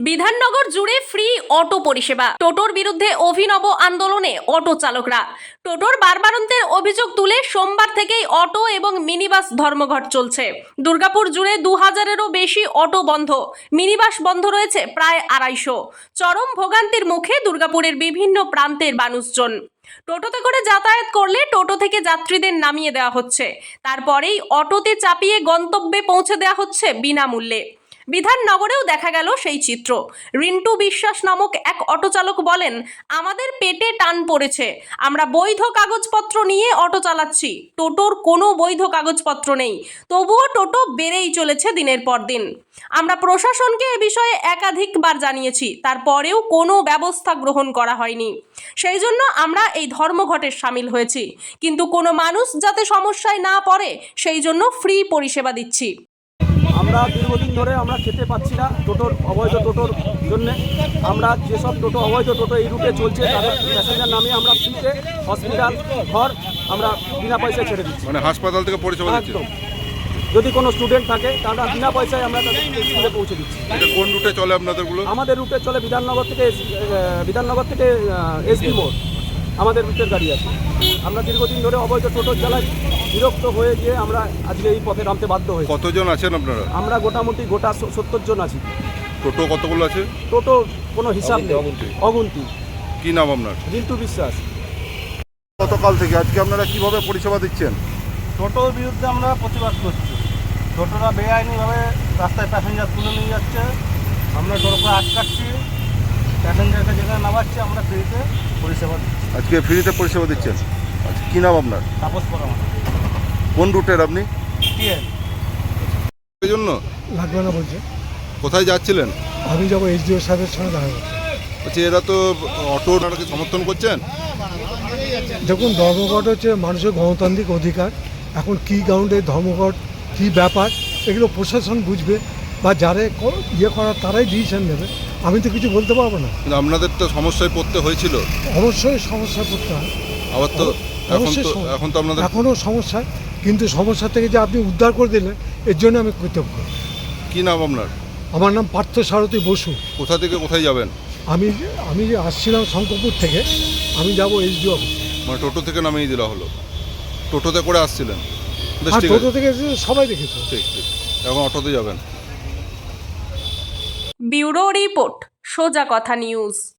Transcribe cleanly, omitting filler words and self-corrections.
বিধাননগর জুড়ে free auto পরিষেবা। টোটোর বিরুদ্ধে অভিনব আন্দোলনে অটো চালকরা। টোটোর বারবারন্তের অভিযোগ তুলে সোমবার থেকেই অটো এবং মিনিবাস ধর্মঘট চলছে। দুর্গাপুর জুড়ে 2000-এরও বেশি অটো বন্ধ, মিনিবাস বন্ধ রয়েছে প্রায় 250। চরম ভোগান্তির মুখে দুর্গাপুরের বিভিন্ন প্রান্তের মানুষজন। টোটোতে করে যাতায়াত করলে টোটো থেকে যাত্রীদের নামিয়ে দেওয়া হচ্ছে, তারপরেই অটোতে চাপিয়ে গন্তব্যে পৌঁছে দেওয়া হচ্ছে বিনামূল্যে। বিধাননগরেও দেখা গেল সেই চিত্র। রিন্টু বিশ্বাস নামক এক অটো চালক বলেন, আমাদের পেটে টান পড়েছে, আমরা বৈধ কাগজপত্র নিয়ে অটো চালাচ্ছি, টোটোর কোনো বৈধ কাগজপত্র নেই, তবুও টোটো বেড়েই চলেছে দিনের পর দিন। আমরা প্রশাসনকে এ বিষয়ে একাধিকবার জানিয়েছি, তারপরেও কোনো ব্যবস্থা গ্রহণ করা হয়নি। সেই জন্য আমরা এই ধর্মঘটে সামিল হয়েছি, কিন্তু কোনো মানুষ যাতে সমস্যায় না পড়ে সেই জন্য ফ্রি পরিষেবা দিচ্ছি। আমরা দীর্ঘদিন ধরে আমরা খেতে পাচ্ছি না টোটোর অবৈধ টোটোর জন্য। আমরা যেসব টোটো অবৈধ টোটো এই রুটে চলছে তাদের প্যাসেঞ্জার নামিয়ে আমরা ফ্রিতে হসপিটাল ঘর আমরা বিনা পয়সায় ছেড়ে দিচ্ছি। মানে হাসপাতাল থেকে পরিষেবা দিচ্ছি। একদম, যদি কোনো স্টুডেন্ট থাকে তাহলে বিনা পয়সায় আমরা তাদের স্কুলে পৌঁছে দিচ্ছি। এটা কোন রুটে চলে আপনাদেরগুলো? আমাদের রুটে চলে বিধাননগর থেকে এসবি মোড়, আমাদের রুটের গাড়ি আছে। আমরা দীর্ঘদিন ধরে অবৈধ টোটো চালাই, বিরক্ত হয়ে গিয়ে আমরা আজকে এই পথে নামতে বাধ্য হয়েছি। কতজন আছেন আপনারা? আমরা মোটামুটি 70 জন আছি। টোটো কতগুলো আছে? টোটো কোনো হিসাব নেই, অগুন্তি। কি নাম আপনার? রিন্টু বিশ্বাস। গতকাল থেকে আজকে আপনারা কিভাবে পরিষেবা দিচ্ছেন? টোটোর বিরুদ্ধে আমরা প্রতিবাদ করছি। টোটোরা বেআইনিভাবে রাস্তায় প্যাসেঞ্জার তুলে নিয়ে যাচ্ছে, আমরা টোটোকে আটকাচ্ছি, প্যাসেঞ্জারকে যেখানে নামাচ্ছি আমরা ফ্রিতে পরিষেবা দিচ্ছি। আজকে ফ্রিতে পরিষেবা দিচ্ছেন। আচ্ছা, কি নাম আপনার? তাপস করা কোন রুটের আপনি? টিএল এই জন্য লাগবে না বলছে। কোথায় যাচ্ছিলেন? আমি যাবো এইচডিও সাহেবের সঙ্গে দেখা করতে। আচ্ছা, এরা তো অটো ওনাকে সমর্থন করছেন। দেখুন, ধর্মঘট হচ্ছে মানুষের গণতান্ত্রিক অধিকার। এখন কী গ্রাউন্ডে ধর্মঘট, কী ব্যাপার, এগুলো প্রশাসন বুঝবে বা যারা করার তারাই ডিসিশন নেবে। আমি তো কিছু বলতে পারবো না। কিন্তু আপনাদের তো সমস্যায় পড়তে হয়েছিল। অবশ্যই সমস্যা পড়তে হয়, আবার তো অবশ্যই এখন তো আপনাদের এখনও সমস্যা, কিন্তু সমস্যা থেকে যে আপনি উদ্ধার করে দিলেন এর জন্য আমি কৃতজ্ঞ। কি নাম আপনার? আমার নাম পার্থ সারথী বসু। কোথা থেকে কোথায় যাবেন? আমি যে আসছিলাম শঙ্করপুর থেকে, আমি যাব এইচডিও অফিস। মানে টোটো থেকে নামিয়ে দেওয়া হলো? টোটোতে করে আসছিলেন? বেশ, আর ঠিক টোটো আছে, থেকে সবাই দেখেছে। ঠিক ঠিক। এখন অটোতে যাবেন। ব্যুরো রিপোর্ট, সোজা কথা নিউজ।